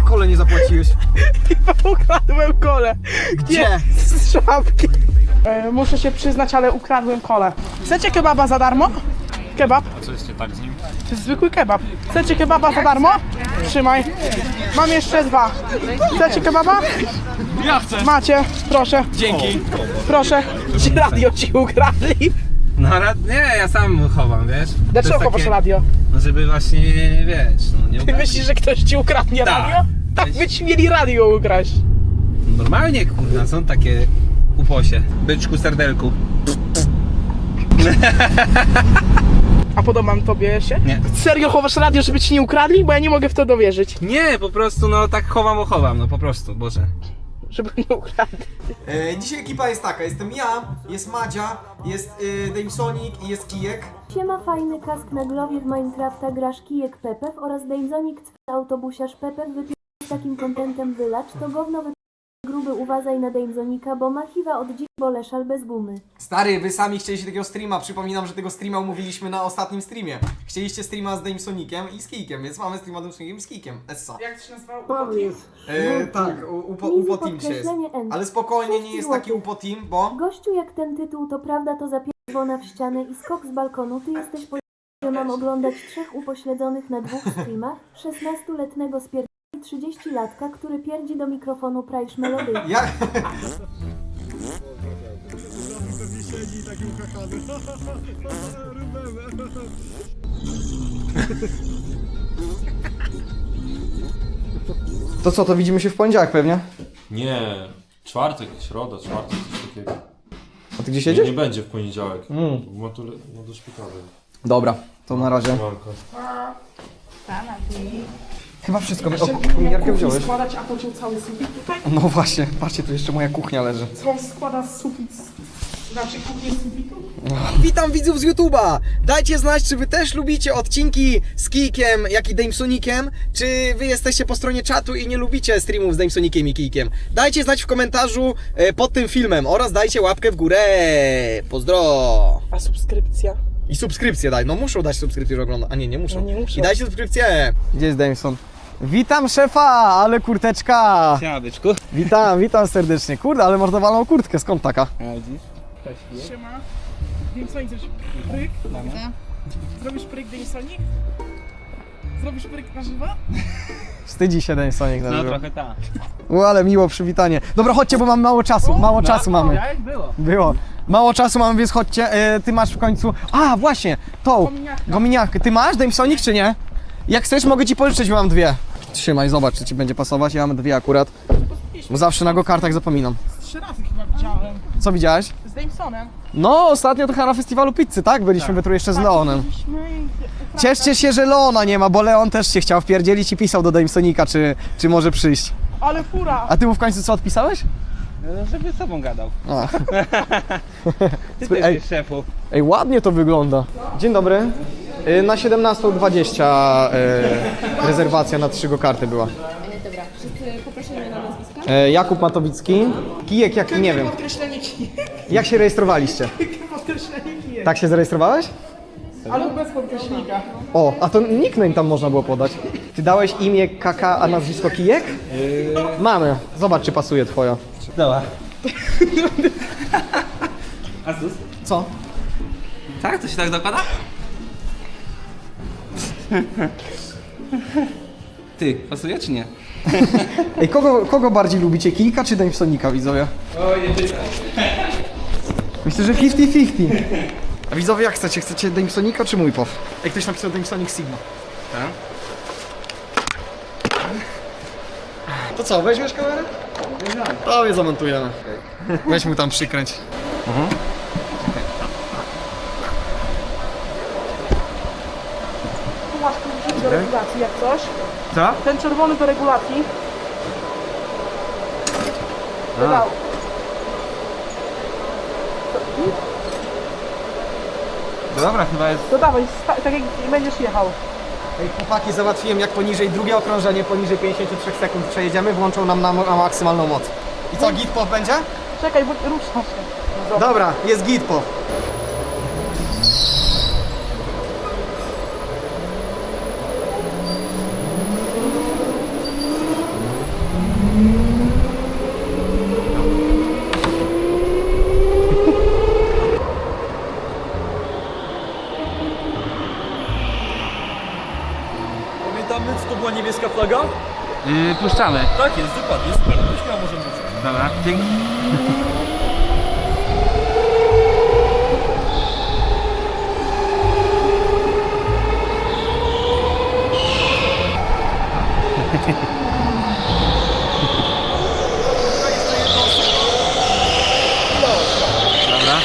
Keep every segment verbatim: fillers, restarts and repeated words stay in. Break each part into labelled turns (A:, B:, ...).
A: kole nie zapłaciłeś?
B: Chyba ukradłem kole.
A: Gdzie?
B: Z szafki. E, muszę się przyznać, ale ukradłem kole. Chcecie kebaba za darmo? Kebab.
C: A co jest nie tak z nim?
B: To jest zwykły kebab. Chcecie kebaba za darmo? Trzymaj. Mam jeszcze dwa. Chcecie kebaba?
C: Ja chcę!
B: Macie. Proszę.
C: Dzięki!
B: Proszę. Ci radio ci ukradli.
D: No rad, nie, ja sam chowam, wiesz? To
B: Dlaczego
D: jest
B: chowasz
D: takie-
B: radio?
D: No żeby właśnie, wiesz, no nie
B: Ty
D: ukradli.
B: myślisz, że ktoś ci ukradnie
D: Tak.
B: radio? Tak by ci mieli radio ukraść.
D: Normalnie, kurna, są takie uposie. Byczku, serdelku.
B: A podobam tobie się?
D: Nie.
B: Serio chowasz radio, żeby ci nie ukradli? Bo ja nie mogę w to dowierzyć.
D: Nie, po prostu, no tak chowam, bo chowam, no po prostu, Boże.
B: Żeby nie ukradli.
A: E, dzisiaj ekipa jest taka, jestem ja, jest Madzia, jest y, Damesonic i jest Kijek.
E: Siema, fajny kask na głowie w Minecrafta, grasz Kijek Pepew oraz Damesonic autobusiarz Pepew wypił z takim kontentem wylacz, to gówno wy... gruby uważaj na Damesonika, bo ma hiwa od dzik boleszal bez gumy.
A: Stary, wy sami chcieliście takiego streama, przypominam, że tego streama umówiliśmy na ostatnim streamie. Chcieliście streama z Damesoniciem i z Kijkiem, więc mamy streama z Damesonikiem i z Kijkiem, essa.
B: Jak to się nazywało?
A: E, tak, u- upo,
E: Easy
A: upo team się jest.
E: podkreślenie N.
A: Ale spokojnie, nie jest taki upo team, bo...
E: Gościu, jak ten tytuł to prawda, to zapierdolona w ścianę i skok z balkonu, ty jesteś po... że mam oglądać trzech upośledzonych na dwóch streamach, szesnastoletniego spier... i trzydziestolatka, który pierdzi do mikrofonu prajsz melody.
A: Ja... To co, to widzimy się w poniedziałek pewnie?
F: Nie, czwartek, środa, czwartek, coś takiego.
A: A ty gdzieś
F: Nie,
A: jedziesz?
F: nie będzie w poniedziałek.
A: Mm.
F: Ma tu ma do szpitala.
A: Dobra, to na razie.
F: Manko.
A: Chyba wszystko. O, kominiarkę wziąłeś?
B: Składać, a pociął cały sufit tutaj?
A: No właśnie, patrzcie, tu jeszcze moja kuchnia leży.
B: Co on składa z sufit? Znaczy kuchnię z sufitu?
A: Witam widzów z YouTube'a! Dajcie znać, czy wy też lubicie odcinki z Kijkiem, jak i Damesonikiem, czy wy jesteście po stronie czatu i nie lubicie streamów z Damesonikiem i Kijkiem. Dajcie znać w komentarzu e, pod tym filmem oraz dajcie łapkę w górę. Pozdro!
B: A subskrypcja?
A: I subskrypcję daj, no muszą dać subskrypcję, że ogląda. A nie, nie muszą.
B: No nie muszą.
A: I dajcie subskrypcję. Gdzie jest Dameson? Witam szefa, ale kurteczka!
D: Siema, byczku.
A: Witam, witam serdecznie. Kurde, ale można walną kurtkę, skąd taka?
B: Siema. Damesonik, zrobisz pryk? Zrobisz pryk, Damesonik? Zrobisz pryk na żywo?
A: Wstydzi się Damesonik na
D: No
A: żywo.
D: trochę tak.
A: O, ale miło przywitanie. Dobra, chodźcie, bo mamy mało czasu, mało czasu mamy.
D: Jak było?
A: Było. Mało czasu mamy, więc chodźcie. E, ty masz w końcu... A, właśnie, tą.
B: Kominiarkę.
A: Gominiarkę. Ty masz Damesonik, czy nie? Jak chcesz, mogę ci pożyczyć, bo mam dwie. Trzymaj, zobacz, czy ci będzie pasować. Ja mam dwie akurat. Bo zawsze na go-kartach zapominam.
B: Trzy razy chyba widziałem.
A: Co widziałeś?
B: Z Damesonem.
A: No, ostatnio to chyba na festiwalu pizzy, tak? Byliśmy tak. Tu jeszcze z Leonem. Cieszcie się, że Leona nie ma, bo Leon też się chciał wpierdzielić i pisał do Damesonika, czy, czy może przyjść.
B: Ale fura!
A: A ty mu w końcu co odpisałeś?
D: No, żeby z tobą gadał.
A: A.
D: Ty
A: Ej.
D: też jest szefu.
A: Ej, ładnie to wygląda. Dzień dobry. Y, Na siedemnastą dwadzieścia y, rezerwacja na trzy go-karty była.
G: Dobra, wszyscy poprosimy na nazwiska.
A: Y, Jakub Matowicki. Kijek, jak nie wiem.
B: Podkreślenie kijek.
A: Jak się rejestrowaliście?
B: Podkreślenie kijek.
A: Tak się zarejestrowałeś?
B: Ale bez podkreślnika.
A: O, a to nickname tam można było podać. Ty dałeś imię Kaka, a nazwisko Kijek? Mamy. Zobacz, czy pasuje twoja.
D: Dobra. Asus?
A: Co?
D: Tak? To się tak dokłada? Ty, pasuje czy nie?
A: Ej, kogo, kogo bardziej lubicie? Kijka czy Damesonika, widzowie?
D: O, nie pytaj.
A: Myślę, że pięćdziesiąt pięćdziesiąt. A widzowie, jak chcecie? Chcecie Damesonika czy mój pow? Jak ktoś napisał Damesonic Sigma.
D: Tak?
A: To co, weźmiesz kamerę? To je zamontujemy. Weź mu tam przykręć.
B: Tu masz kluczyk do regulacji jak coś.
D: Co?
B: Ten czerwony do regulacji. Wydał.
D: Dobra, chyba jest...
B: To dawaj, sta- tak jak będziesz jechał.
A: Ej, chłopaki, załatwiłem, jak poniżej drugie okrążenie, poniżej pięćdziesiąt trzy sekund przejedziemy, włączą nam na, na maksymalną moc. I co, git pow będzie?
B: Czekaj, bo rusza się.
A: Dobra, jest git pow.
C: Logo?
D: Yy, puszczamy.
C: Tak jest, dokładnie, super. To śmiało możemy być.
D: Dobra, dzięki. Dobra.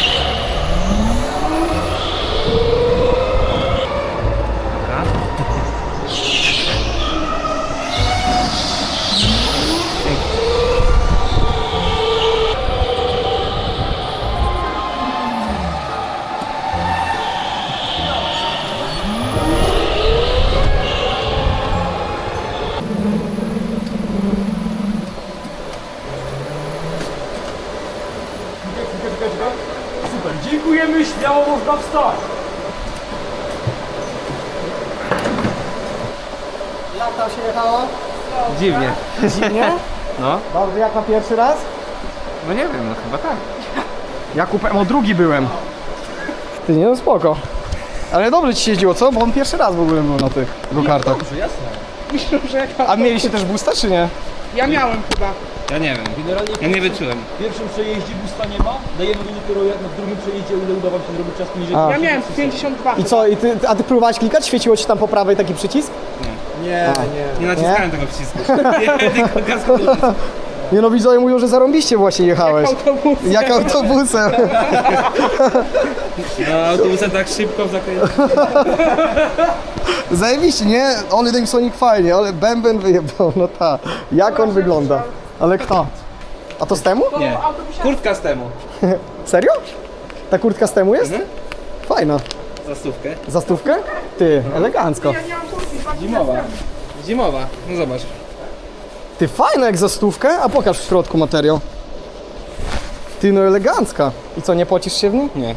C: Super, dziękujemy, śmiało można wstać.
A: Jak tam się jechało?
D: Dziwnie.
A: Nie?
D: No,
A: Dobrze, jak na pierwszy raz?
D: no nie wiem, no chyba tak.
A: Ja kupem o drugi byłem. Ty nie, no spoko. Ale dobrze ci się jeździło, co? Bo on pierwszy raz w ogóle był na tych go-kartach.
B: Myślę, że jak...
A: A mieliście też boosta, czy nie?
B: Ja miałem chyba.
D: Ja nie wiem.
C: Generalnie
D: Ja nie wyczułem.
C: w pierwszym przejeździe busta nie ma, dajemy go dopiero jak na drugim przejeździe, ile uda wam się zrobić czas poniżej.
A: A.
B: Ja miałem pięćdziesiąt dwa.
A: I co, i ty, a ty próbowałeś klikać? Świeciło ci tam po prawej taki przycisk?
C: Nie,
D: Nie naciskałem tego przycisku. Nie, tylko gazku.
A: Nie no, widzowie mówią, że zarąbiście właśnie jechałeś.
B: Autobus.
A: Jak autobusem.
D: No, autobusem tak szybko w zakręcie.
A: Zajebiście, nie? Ollie Damsonik fajnie, ale bęben wyjebał, no ta. Jak on wygląda? Ale kto? A to z temu?
D: Nie. Kurtka z temu.
A: Serio? Ta kurtka z temu jest?
D: Mhm.
A: Fajna.
D: Za stówkę.
A: Za stówkę? Ty, elegancko.
B: Ja nie mam kurtki, dwa dni
D: Zimowa.
B: temu.
D: Zimowa. No zobacz.
A: Ty, fajna jak za stówkę, a pokaż w środku materiał. Ty, no elegancka. I co, nie pocisz się w nim?
D: Nie.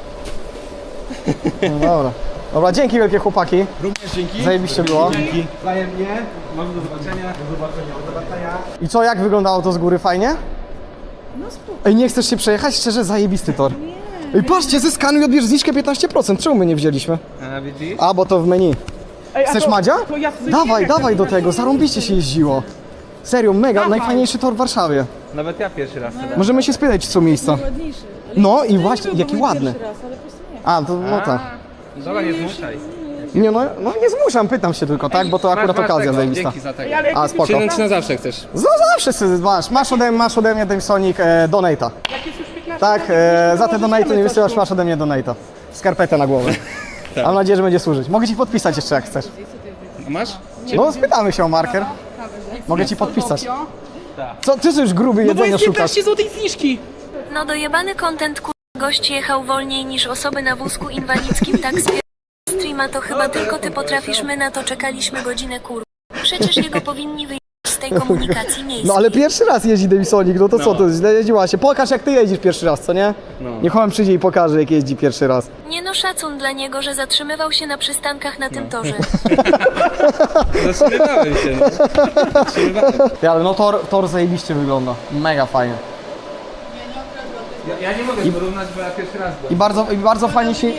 A: No dobra. Dobra, dzięki wielkie chłopaki.
C: Również dzięki.
A: Zajebiście było.
C: Dzięki.
D: Wzajemnie. Może do zobaczenia. Do zobaczenia. Do zobaczenia.
A: I co, jak wyglądało to z góry? Fajnie? No spoko. Ej, nie chcesz się przejechać? Szczerze, zajebisty tor. Nie. Ej, patrzcie, zeskanuj i odbierz zniżkę piętnaście procent. Czemu my nie wzięliśmy?
D: A widzisz?
A: A, bo to w menu.
B: Ej, a
A: Chcesz
B: to-
A: Madzia?
B: to ja coś
A: Dawaj,
B: nie wiem,
A: dawaj do tego, zarąbiście się jeździło. Serio, mega,
B: Dawaj.
A: najfajniejszy tor w Warszawie.
D: Nawet ja pierwszy raz.
A: Możemy się spytać, czy są miejsca. No i właśnie, jaki ładny. A, to no tak.
D: Dobra, nie zmuszaj.
A: Nie no, no nie zmuszam, pytam się tylko, tak? Bo to akurat
D: Masz- masz
A: okazja
D: tego,
A: zajebista.
D: Dzięki za tego.
B: Ej, ale
A: A,
B: jakie
A: spoko.
D: Czy, czy na zawsze chcesz?
A: No zawsze sobie masz, masz ode, masz ode mnie Damsonik e, donata.
B: jak jest już piętnaście
A: Tak,
B: lat,
A: e,
B: to
A: za te
B: możemy
A: donaty nie
B: coś
A: wysyłasz,
B: tu.
A: masz ode mnie donata. Skarpetę na głowę. Mam nadzieję, że będzie służyć. Mogę ci podpisać jeszcze jak chcesz.
D: A masz?
A: No spytamy się o marker. Mogę ci podpisać.
B: Tokio.
A: Co, ty już gruby
B: No bo
A: jedzenia
B: jest
A: szukasz?
B: piętnaście złotych zniżki.
E: No dojebany content kur... Gość jechał wolniej niż osoby na wózku inwalidzkim, tak spier... streama to chyba tylko ty potrafisz, my na to czekaliśmy godzinę kur... Przecież jego powinni wyjść z tej komunikacji miejskiej.
A: No ale pierwszy raz jeździ Damsonik, no to co,
D: No.
A: to źle jeździła się. Pokaż jak ty jeździsz pierwszy raz, co nie?
D: No.
A: Niech on przyjdzie i pokaże jak jeździ pierwszy raz.
E: Nie no, szacun dla niego, że zatrzymywał się na przystankach na tym torze.
D: Zatrzymywałem się. No. Zatrzymywałem.
A: Ty, ale no tor, tor zajebiście wygląda. Mega fajnie.
D: Ja, ja nie mogę porównać, bo ja pierwszy raz byłem.
A: I bardzo, i bardzo fajnie się...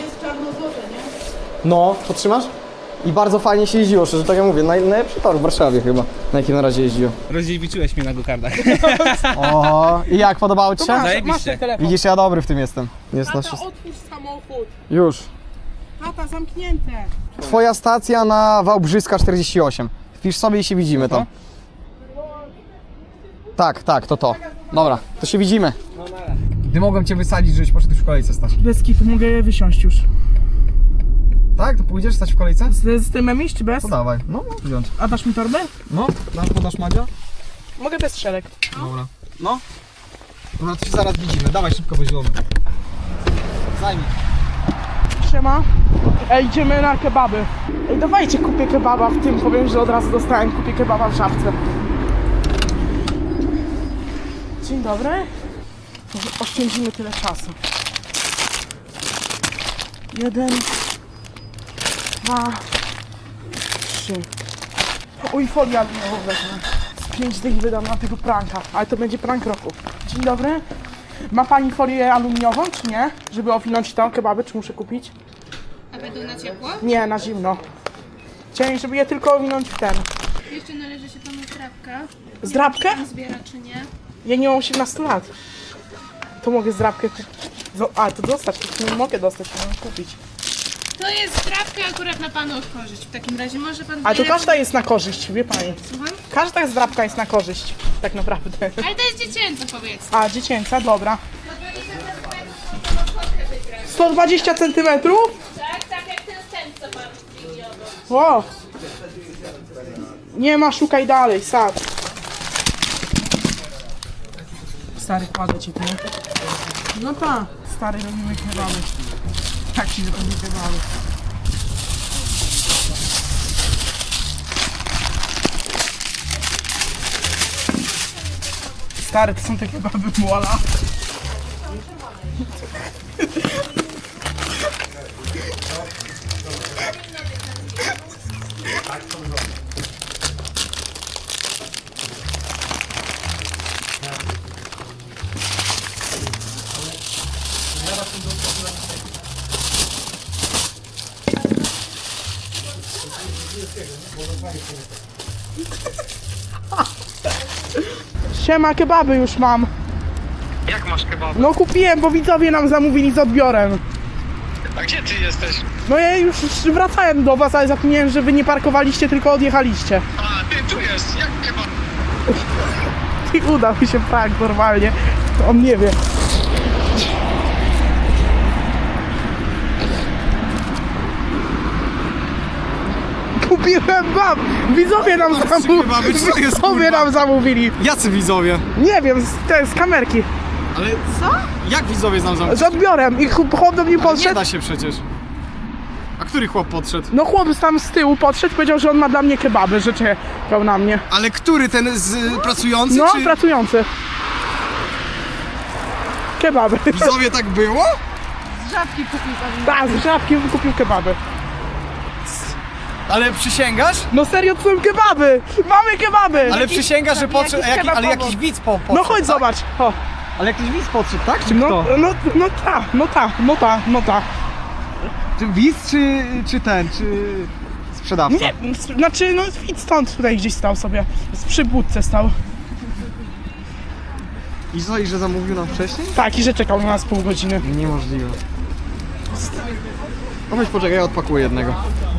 A: No, to trzymasz? I bardzo fajnie się jeździło, szczerze tak jak mówię, naj, najlepszy tor w Warszawie chyba, na jakim na razie jeździło.
D: Rozdziewiczyłeś mnie na gokardach.
A: O, i jak, podobało ci się?
B: Masz, masz
D: Zajebiście.
B: ten telefon.
A: Widzisz, ja dobry w tym jestem. Jest na
B: Tata,
A: wszystko.
B: otwórz samochód.
A: Już.
B: Tata, zamknięte.
A: Twoja stacja na Wałbrzyska czterdzieści osiem. Wpisz sobie i się widzimy tam. Tak, tak, to to. Dobra, to się widzimy. Gdy mogłem cię wysadzić, żebyś poszedł już w kolejce stać.
B: Bez kitu, mogę wysiąść już.
A: Tak? To pójdziesz stać w kolejce?
B: Z, z tym iść czy bez?
A: To dawaj. No, no, wziąć.
B: A dasz mi torbę?
A: No, dasz, podasz Madzia?
B: Mogę bez szereg.
A: Dobra. No. Dobra, to się zaraz widzimy. Dawaj szybko, bo zielony. Zajmij.
B: Siema. Ej, idziemy na kebaby. Ej, dawajcie, kupię kebaba w tym, powiem, że od razu dostałem, kupię kebaba w Żabce. Dzień dobry. Może oszczędzimy tyle czasu. Jeden, dwa, trzy. Oj, folia aluminiową wezmę. Z pięć dych wydam na tego pranka, ale to będzie prank roku. Dzień dobry. Ma pani folię aluminiową, czy nie? Żeby owinąć to kebaby, czy muszę kupić?
G: A będą na ciepło?
B: Nie, na zimno. Chciałem, żeby je tylko owinąć w ten.
G: Jeszcze należy się panu zdrabka.
B: Zdrabkę?
G: Pan zbiera czy nie?
B: Ja nie mam osiemnastu lat. To mogę zdrabkę kupić. Zo- A, to dostać, to nie mogę dostać, to mam kupić.
G: To jest zdrabka akurat na panu korzyść. W takim razie może pan...
B: A to
G: zbierać-
B: każda jest na korzyść, wie pani.
G: Słucham?
B: Każda zdrabka jest na korzyść, tak naprawdę.
G: Ale to jest dziecięce, powiedzmy.
B: A, dziecięca, dobra. sto dwadzieścia centymetrów?
G: Tak, tak jak ten stent, co pan chwili obok.
B: Wow. Nie ma, szukaj dalej, sad. Stary, kładę ci tu. No tak. Stary, robimy kebaby. Tak się robi kebaby. Stary, to są te kebaby Muala. Siema, kebaby już mam.
A: Jak masz kebaby?
B: No kupiłem, bo widzowie nam zamówili z odbiorem.
A: A gdzie ty jesteś?
B: No ja już wracałem do was, ale zapomniałem, że wy nie parkowaliście, tylko odjechaliście.
A: A, ty tu jest, jak kebab?
B: I udał mi się prank normalnie. On nie wie. Kupiłem bab! Widzowie nam zamówili.
A: kebaby, co to jest,
B: Widzowie
A: kurwa?
B: nam zamówili.
A: Jacy widzowie?
B: Nie wiem, z, te, z kamerki.
A: Ale co? Jak widzowie znam zamówić?
B: Z odbiorem. I chłop chłop do mnie
A: Nie
B: podszedł.
A: da się przecież. A który chłop podszedł?
B: No chłop tam z tyłu podszedł, powiedział, że on ma dla mnie kebaby, że czekał na mnie.
A: Ale który, ten z y, pracujący,
B: No,
A: czy...
B: pracujący. Kebaby.
A: Widzowie tak było?
B: Tak, z żabki kupił kebaby.
A: Ale przysięgasz?
B: No serio, to są kebaby! Mamy kebaby!
A: Ale przysięgasz, że podszedł,
B: jakiś
A: jaki,
B: kebab
A: ale
B: obok.
A: jakiś widz po, podszedł,
B: No chodź
A: tak?
B: zobacz. O.
A: Ale jakiś widz podszedł, tak? Czy
B: No,
A: kto?
B: no, no ta, no ta, no ta, no ta.
A: Czy widz, czy, czy ten, czy sprzedawca?
B: Nie, znaczy, no widz stąd tutaj gdzieś stał sobie. Przy budce stał.
A: I co, i że zamówił nam wcześniej?
B: Tak, i że czekał na nas pół godziny.
A: Niemożliwe. No weź poczekaj, ja odpakuję jednego.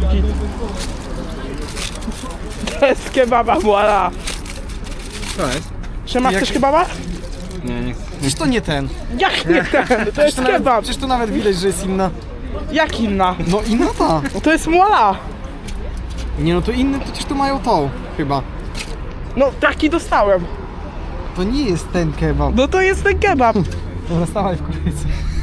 B: To jest kebaba, voila.
D: To jest?
B: Siema,
A: Jak-
B: chcesz kebaba?
D: Nie, nie chcę.
A: Przecież to nie ten.
B: Jak nie ten? To jest
A: To nawet,
B: kebab.
A: przecież tu nawet widać, że jest inna.
B: Jak inna?
A: No inna ta.
B: No to jest voila.
A: Nie no, to inny, przecież tu mają tą, chyba.
B: No taki dostałem.
A: To nie jest ten kebab.
B: No to jest ten kebab.
A: Dobra, stawaj w kolejce.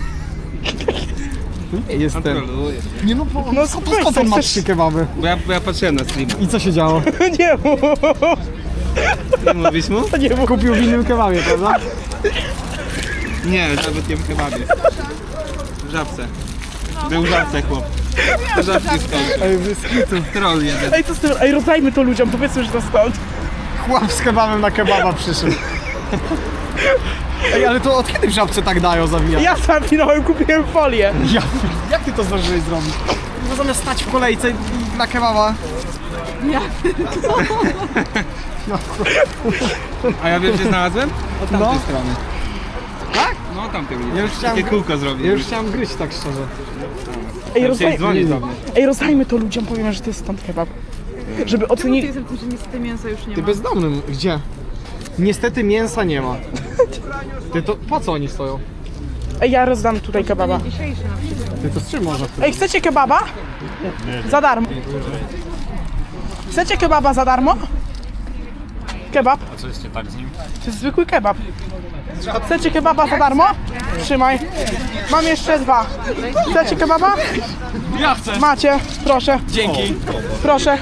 A: To nie jest ten.
D: Kontroluję.
A: Nie no, bo,
B: No,
A: no
B: spokojnie,
A: skąd on ma
B: chcesz-
A: trzy kebaby?
D: Bo ja, bo ja patrzyłem na stream.
A: I co się działo?
B: Nie mów.
D: Nie mówisz mu?
B: Nie mów.
A: Kupił w innym kebabie, prawda?
D: Nie, nawet nie w kebabie. W żabce. Był w żabce chłop. W żabce skończył.
A: Ej, wyskitu.
D: Troll jeden.
B: Ej, co z tym? Ej, rozdajmy to ludziom, powiedzmy, że to stąd.
A: Chłop z kebabem na kebaba przyszedł. Ej, ale to od kiedy w żabce tak dają zawijać?
B: Ja sam finałem, kupiłem folię.
A: Ja, jak ty to zdążyłeś zrobić? No zamiast stać w kolejce i na kebaba.
D: A ja wiem, gdzie znalazłem? Od tamtej
A: No.
D: strony.
A: Tak?
D: No tamtej
A: Ja już chciałem,
D: Takie kółko zrobił.
A: ja już chciałem gryźć tak szczerze.
B: Ej,
D: Chciałem
B: rozdaj...
D: dzwonić do mnie.
B: Ej, rozdajmy to ludziom, powiemy, że to jest stąd kebab. Żeby ocenili...
A: Ty bezdomnym, gdzie? Niestety mięsa nie ma. Ty to po co oni stoją?
B: Ej, ja rozdam tutaj kebaba.
A: Ty to z czym można?
B: Ej, chcecie kebaba? Za darmo. Chcecie kebaba za darmo? Kebab?
F: A co jest nie tak z nim?
B: To jest zwykły kebab. Chcecie kebaba za darmo? Trzymaj. Mam jeszcze dwa. Chcecie kebaba?
A: Ja chcę!
B: Macie, proszę.
A: Dzięki.
B: Proszę.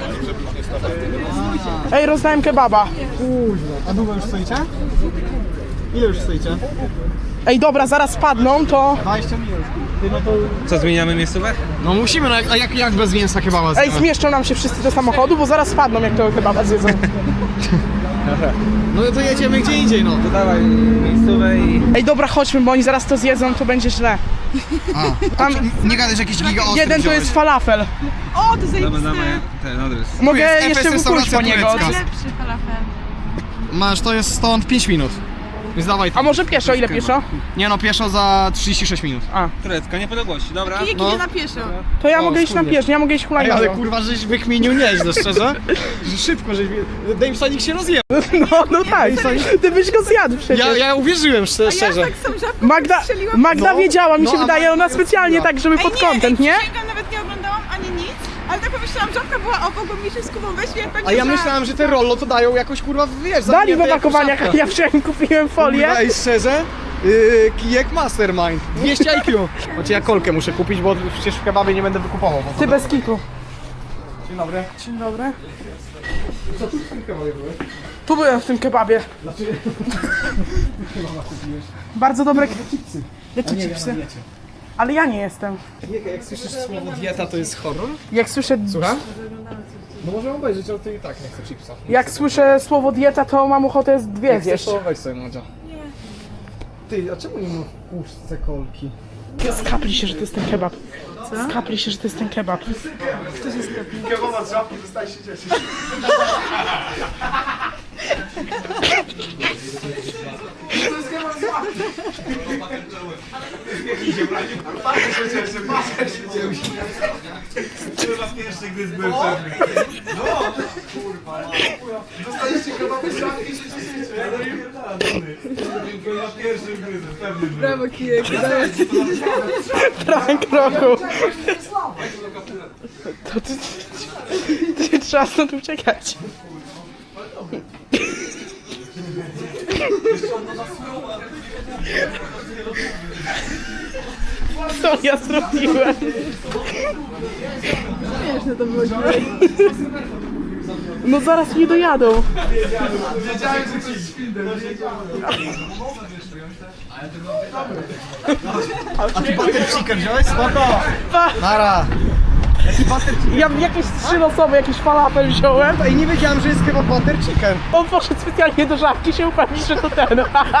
B: Ej, rozdałem kebaba.
A: A długo już stoicie? Ile już stoicie?
B: Ej, dobra, zaraz spadną, to...
A: dwadzieścia minut. Ty no to...
D: Co, zmieniamy miejscówek?
A: No musimy, no, a jak, jak bez mięsa kebaba
B: Ej,
A: zjemy?
B: zmieszczą nam się wszyscy do samochodu, bo zaraz spadną, jak tego kebaba zjedzą.
A: No to jedziemy gdzie indziej, no.
D: To dawaj miejscowe i...
B: Ej, dobra, chodźmy, bo oni zaraz to zjedzą, to będzie źle.
A: A,
B: Tam
A: nie gadaj, że jakiś giga ostry
B: jeden to
A: wziąłeś.
B: jest falafel.
G: O, to
D: Damy,
G: zajebiste.
D: damy ten adres.
B: Mogę
A: jest
B: jeszcze
A: Efes
B: wykuć po
A: restauracja
B: niego.
A: turecka.
G: Najlepszy falafel.
A: Masz, to jest stąd pięć minut. Więc dawaj.
B: A może pieszo, ile pieszo?
A: Nie no, pieszo za trzydzieści sześć minut.
B: A,
D: Turecka, niepodległości, dobra?
G: Kijek
A: No.
G: idzie na pieszo.
B: to ja
A: O,
B: mogę iść na
A: wspólnie.
B: pieszo, ja mogę iść
A: Ej,
B: hulajnogą.
A: ale kurwa, żeś wykminił nieźle, szczerze. Że szybko, żeś... Damesonik się rozjechał.
B: No, no tak, ty byś go zjadł przecież.
A: Ja, ja uwierzyłem, szczerze.
G: Ja
A: szczerze.
G: tak sam żabką
B: Magda,
G: strzeliłam.
B: Magda
A: No,
B: wiedziała, mi
A: no,
B: się
A: a
B: wydaje,
A: Magda
B: ona
A: jest
B: specjalnie
A: miła.
B: tak, żeby
G: Ej,
B: pod
G: nie,
B: content,
G: ej,
B: nie?
G: przysięgam, nawet nie oglądałam ani nic, ale tak pomyślałam, żabka była obok, bo mi się z Kubą weźmie, jak pewnie
A: A ja
G: za-
A: myślałem, że te rollo to dają jakoś kurwa, wiesz,
B: Dali w
A: zamknięte jak
B: opakowaniach,
A: szafka.
B: ja wczoraj kupiłem folię.
A: Kurwa, ej, szczerze, yy, kijek Mastermind, dwieście I Q. Znaczy ja kolkę muszę kupić, bo przecież w kebabie nie będę wykupował. Bo
B: Ty bez kitu.
A: Dzień dobry.
B: Dzień dobry.
A: Co tu w tym kebabie były?
B: Tu byłem w tym kebabie. Bardzo dobre chipsy. Jakie chipsy? Ale ja nie jestem.
A: Jak słyszysz słowo dieta, to jest horror?
B: Jak słyszę,
A: Słucham? No możemy obejrzeć, ale ty i tak nie chcę chipsa.
B: jak słyszę słowo dieta, to mam ochotę z dwie
A: Jak chcesz,
B: zjeść.
A: to weź sobie, Madzia. Nie. Ty, a czemu nie ma w puszce kolki?
B: Skapli się, że to jest ten kebab. Co? Skapli się, że to jest ten kebab.
A: Kebaba z żabki, zostań się cieszyć.
G: Brawo, kijek.
B: Prank roku. To ty, ty, ty, trzeba stąd uciekać. Co ja zrobiłem?
G: Śmieszne to było.
B: No zaraz nie dojadą.
A: Butter chicken wziąłeś? Spoko. Nara. Jaki butter chicken?
B: Ja jakieś trzy losowe, jakiś falafel wziąłem.
A: Ej, nie wiedziałem, że jest kebab butter chicken.
B: On poszedł specjalnie do żabki się upewnić, że to ten.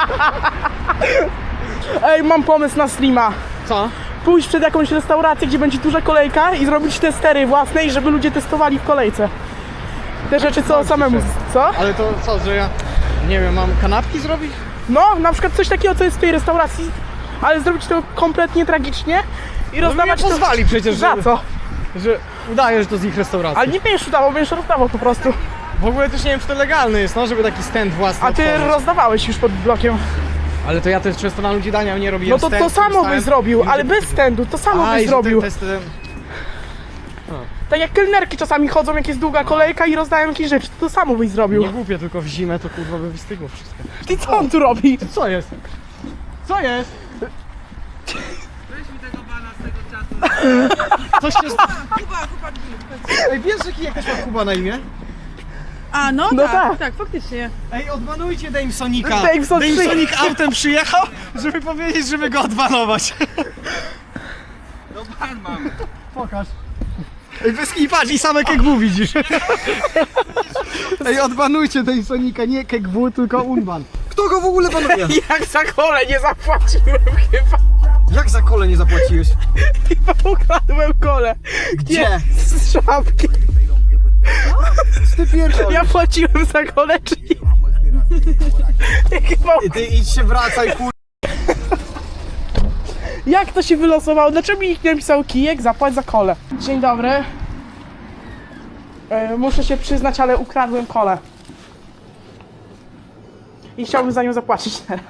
B: Ej, mam pomysł na streama.
A: Co?
B: Pójść przed jakąś restaurację, gdzie będzie duża kolejka i zrobić testery własne i żeby ludzie testowali w kolejce. Te rzeczy co samemu, co?
A: Ale to co, że ja, nie wiem, mam kanapki zrobić?
B: No, na przykład coś takiego, co jest w tej restauracji, ale zrobić to kompletnie tragicznie i rozdawać
A: nie pozwali
B: to...
A: przecież,
B: Za
A: żeby-
B: co?
A: Że udaje, że to z ich restauracji.
B: Ale nie będziesz udawał, będziesz rozdawał po prostu.
A: W ogóle też nie wiem, czy to legalne jest, no, żeby taki stand własny
B: A ty
A: otworzyć.
B: rozdawałeś już pod blokiem.
A: Ale to ja też często na ludzi dania nie
B: No
A: robiłem
B: to to
A: stand,
B: samo
A: stałem-
B: byś zrobił,
A: ludzie-
B: ale bez standu, to samo
A: A,
B: byś
A: i że
B: zrobił.
A: Te, te, te,
B: Tak jak kelnerki czasami chodzą, jak jest długa kolejka i rozdają jakieś rzeczy, to to samo byś zrobił.
A: nie głupie, tylko w zimę to kurwa by wystygło wszystko.
B: Ty co on tu robi?
A: Co jest? Co jest? Coś się...
G: Kuba, chłopaki.
A: Ej, wiesz, że kijek też ma Kuba na imię?
G: A, no,
B: No
G: tak,
B: tak.
G: tak, faktycznie.
A: Ej, odbanujcie Damesonika.
B: Dameson
A: Damesonik autem przyjechał, żeby powiedzieć, żeby go odbanować.
D: No pan mam.
A: Pokaż. Ej, bez kij, patrz, i same kegwu widzisz. Ej, odbanujcie Damesonika, nie kegwu, tylko unban. Kto go w ogóle banuje?
B: Jak za kole nie zapłaciłem chyba.
A: Jak za kole nie zapłaciłeś?
B: Chyba ukradłem kole.
A: Gdzie?
B: Z szafki.
A: Ty pierdol.
B: Ja płaciłem za kole, czy nie? Chyba...
A: Ty idź się wracaj, kur...
B: Jak to się wylosowało? Dlaczego mi nikt nie napisał kijek, zapłać za kole? Dzień dobry. E, muszę się przyznać, ale ukradłem kole. I chciałbym za nią zapłacić teraz.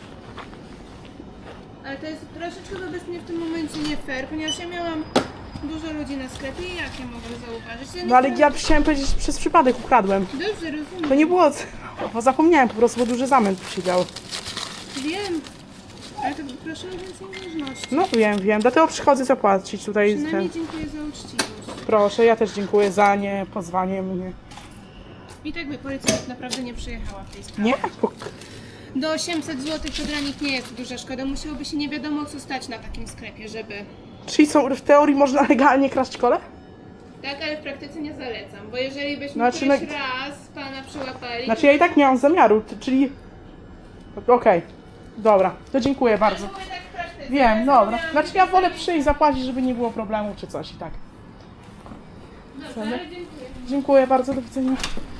G: Ale to jest troszeczkę wobec mnie w tym momencie nie fair, ponieważ ja miałam dużo ludzi na sklepie i jak ja mogę zauważyć? Ja nie
B: No ale
G: chciałam-
B: ja chciałem powiedzieć, że przez przypadek ukradłem.
G: Dobrze, rozumiem.
B: To nie było... Bo zapomniałem po prostu, bo duży zamęt tu siedział.
G: Wiem. Ale to proszę o więcej należności.
B: No wiem, wiem, dlatego przychodzę zapłacić tutaj.
G: Przynajmniej
B: Ten.
G: dziękuję za uczciwość.
B: Proszę, ja też dziękuję za nie pozwanie mnie.
G: I tak by policja tak naprawdę nie przyjechała w tej sprawie.
B: Nie?
G: Do osiemset złotych to dla nich nie jest duża szkoda. Musiałoby się nie wiadomo co stać na takim sklepie, żeby...
B: Czyli są, w teorii można legalnie kraść kole?
G: Tak, ale w praktyce nie zalecam, bo jeżeli byśmy
B: Znaczy,
G: któryś
B: no-
G: raz pana przyłapali...
B: Znaczy ja i tak nie mam zamiaru, t- czyli... Okej, dobra, to dziękuję bardzo.
G: Mówię tak w praktyce.
B: Wiem, dobra.
G: Miałam-
B: Znaczy ja wolę przyjść, zapłacić, żeby nie było problemu czy coś i tak.
G: Dobrze, ale dziękuję.
B: Dziękuję bardzo, do widzenia.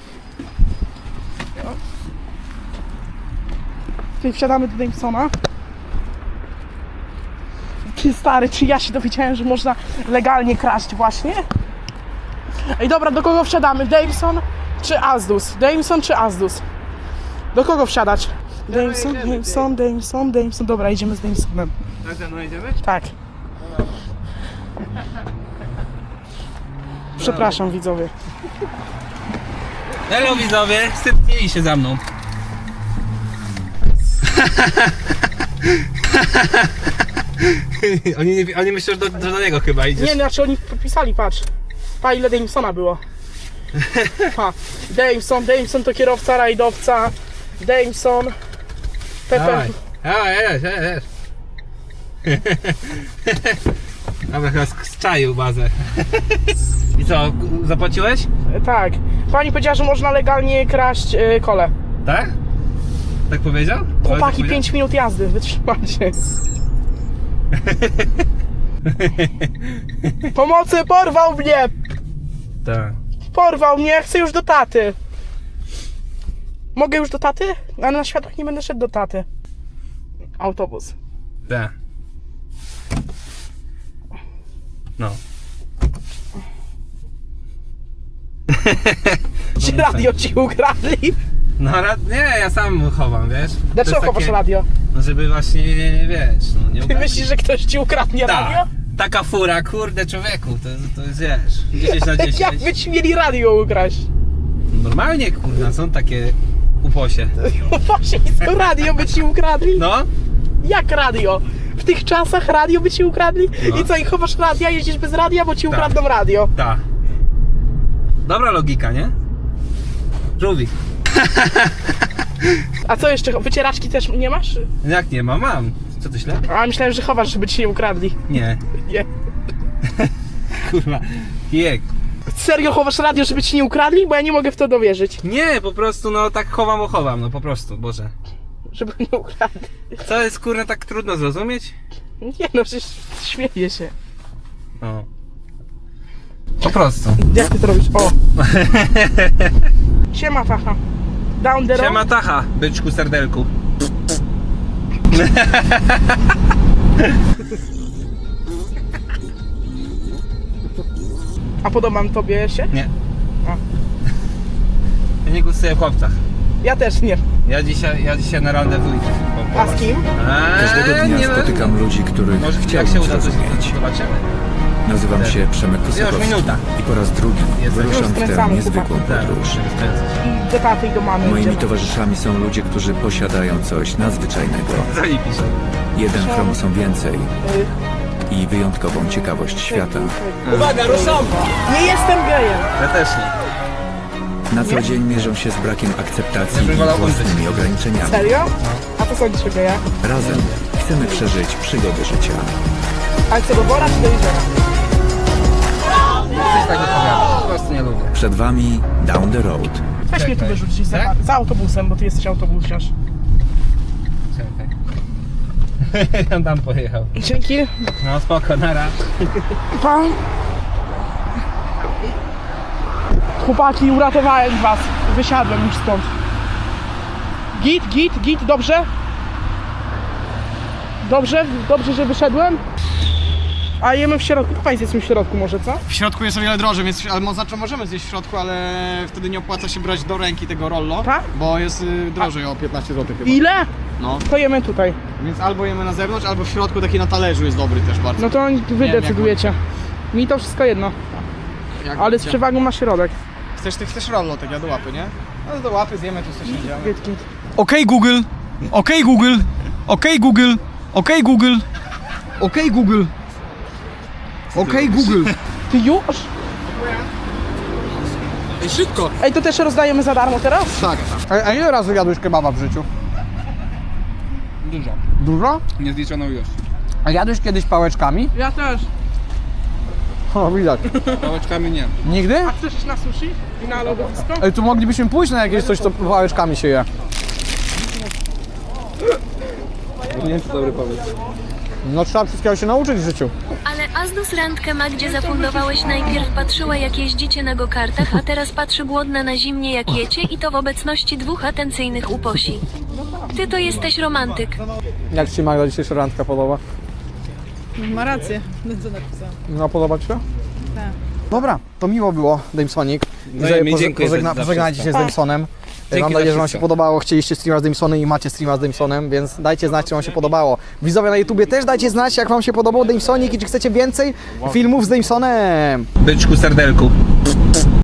B: Tutaj wsiadamy do Damesona. Ty stary, czy ja się dowiedziałem, że można legalnie kraść właśnie? Ej dobra, do kogo wsiadamy? Dameson czy Azdus? Dameson czy Azdus? Do kogo wsiadać? Dameson, Dameson, Dameson, Dameson. Dobra, idziemy z Damesonem.
D: Tak ze mną idziemy?
B: Tak. Przepraszam widzowie.
D: Hello widzowie, stępnili się za mną. oni, nie, oni myślą, że do, że do niego chyba idziesz.
B: Nie, znaczy oni podpisali, patrz. Pa, ile Damesona było. Pa. Dameson, Dameson to kierowca, rajdowca. Dameson. Pepe.
D: Dawaj, dawaj, jedź, jedź. Dobra, chyba zczaił bazę. I co, zapłaciłeś?
B: Tak. Pani powiedziała, że można legalnie kraść y, kole.
D: Tak? Tak powiedział?
B: Chłopaki, pięć minut jazdy, wytrzymajcie. Pomocy, porwał mnie!
D: Tak.
B: Porwał mnie, chcę już do taty. Mogę już do taty? Ale na światłach nie będę szedł do taty. Autobus.
D: Tak. No.
B: Czy radio ci ukradli?
D: No ra- nie, ja sam chowam, wiesz? To
B: Dlaczego
D: jest
B: chowasz
D: takie-
B: radio?
D: No żeby właśnie, wiesz, no nie
B: Ty
D: ukradli.
B: myślisz, że ktoś ci ukradnie radio?
D: Tak. Taka fura, kurde człowieku, to, to jest, wiesz, dziesięć na dziesięć.
B: Jak by ci mieli radio ukraść?
D: Normalnie, kurna, są takie uposie.
B: Właśnie, co radio by ci ukradli?
D: No,
B: Jak radio? W tych czasach radio by ci ukradli?
D: No.
B: I co, i chowasz radia, jeździsz bez radia, bo ci
D: Tak.
B: ukradną radio?
D: ta. Dobra logika, nie? Żółwik.
B: A co jeszcze, wycieraczki też nie masz?
D: Jak nie ma, mam. Co ty źle?
B: A myślałem, że chowasz, żeby ci nie ukradli.
D: Nie.
B: Nie.
D: Kurwa. Kijek.
B: Serio chowasz radio, żeby ci nie ukradli? Bo ja nie mogę w to dowierzyć.
D: Nie, po prostu, no tak chowam, bo chowam, no po prostu, Boże.
B: Żeby nie ukradli.
D: Co jest, kurna, tak trudno zrozumieć?
B: Nie no, przecież śmieję się.
D: No. Po prostu.
B: Jak ty to robisz? O! Siema, tacha. Down the road.
D: Siema tacha, byczku serdelku.
B: A podobam tobie się?
D: Nie.
B: A.
D: Ja nie głosuję w chłopcach.
B: Ja też nie.
D: Ja dzisiaj, ja dzisiaj na randewu idę. Po- po
B: A z
D: was.
B: kim?
D: Eee,
H: Każdego dnia
D: nie ma-
H: spotykam ludzi, których
D: Może jak się
H: chciałbym
D: uda, to
H: zrozumieć.
D: zobaczymy.
H: Nazywam się Przemek Kosakowski
D: minuta.
H: i po raz drugi
D: Jest.
H: wyruszam
B: Już
H: w tę
B: skręcamy,
H: niezwykłą
B: chłopaki.
H: podróż.
B: I do taty i do mamy
H: Moimi
B: idziemy.
H: towarzyszami są ludzie, którzy posiadają coś nadzwyczajnego.
D: Zali pisze.
H: Jeden chromosom więcej
B: Y,
H: i wyjątkową ciekawość świata.
D: Uwaga, ruszam!
B: Nie jestem gejem.
D: Ja też nie.
H: Na co dzień mierzą się z brakiem akceptacji
D: Ja bym
H: i
D: wolał
H: własnymi
D: umrzeć.
H: ograniczeniami.
B: Serio? A to sądzisz o gejach?
H: Razem chcemy przeżyć przygody życia.
B: Ale co, do wora czy do jeziora?
D: Coś tak opowiada. Po prostu nie lubię.
H: Przed wami Down the Road.
B: Weź mnie tu
D: Czekaj.
B: wyrzucić za,
D: Tak?
B: za autobusem, bo ty jesteś autobusiarz.
D: Czekaj. On tam pojechał.
B: Dzięki.
D: No spoko, nara.
B: Pan. Chłopaki, uratowałem was. Wysiadłem już stąd. Git, git, git, dobrze? Dobrze? Dobrze, że wyszedłem? A jemy w środku. Państwo jest w środku może, co?
A: W środku jest o wiele drożej, więc ale mo- znaczy możemy zjeść w środku, ale wtedy nie opłaca się brać do ręki tego rollo,
B: Tak?
A: bo jest y, drożej o piętnaście złotych chyba.
B: Ile?
A: No,
B: To jemy tutaj.
A: więc albo jemy na zewnątrz, albo w środku taki na talerzu jest dobry też bardzo.
B: No to wy
A: wiem, jak
B: decydujecie. Mi to wszystko jedno.
A: Jak
B: Ale z
A: chcesz.
B: przewagą ma środek.
A: Chcesz, ty chcesz rollo, tak ja do łapy, nie? No do łapy zjemy, tu coś nie działamy.
B: Git, git.
I: Okej Google, okej Google, okej Google, okej Google, okej Google, okej Google.
B: Ty już?
A: Ej, szybko!
B: Ej, to też rozdajemy za darmo teraz?
A: Tak. A, a ile razy jadłeś kebaba w życiu?
I: Dużo,
A: Dużo?
I: niezliczoną ilość.
A: A jadłeś kiedyś pałeczkami?
B: Ja też.
I: O, widać.
D: Pałeczkami nie.
I: Nigdy?
B: A chcesz iść na sushi i na lodowisko?
I: Ej, tu moglibyśmy pójść na jakieś coś, co pałeczkami się je.
D: Nie wiem, czy dobry pomysł.
I: No trzeba wszystkiego się nauczyć w życiu.
E: Ale Azdus randkę Magdzie zafundowałeś, najpierw patrzyła jak jeździcie na go-kartach, a teraz patrzy głodna na zimnie jak jecie i to w obecności dwóch atencyjnych uposi. Ty to jesteś romantyk.
I: Jak ci się Magda dzisiejsza randka podoba?
G: Ma rację, co napisałam.
I: No podoba ci się?
G: Tak.
I: Dobra, to miło było, Damesonic.
D: No i mi dziękuję za-
I: Pożegna,
D: za
I: pożegnajcie się z Damesonem.
D: Dzięki
I: Mam
D: za
I: nadzieję, że wam się
D: wszystko.
I: podobało. Chcieliście streama z Damesonem i macie streama z Damesonem, więc dajcie znać, czy wam się podobało. Widzowie na YouTubie też dajcie znać, jak wam się podobał Damesonic i czy chcecie więcej filmów z Damesonem.
D: Byczku serdelku.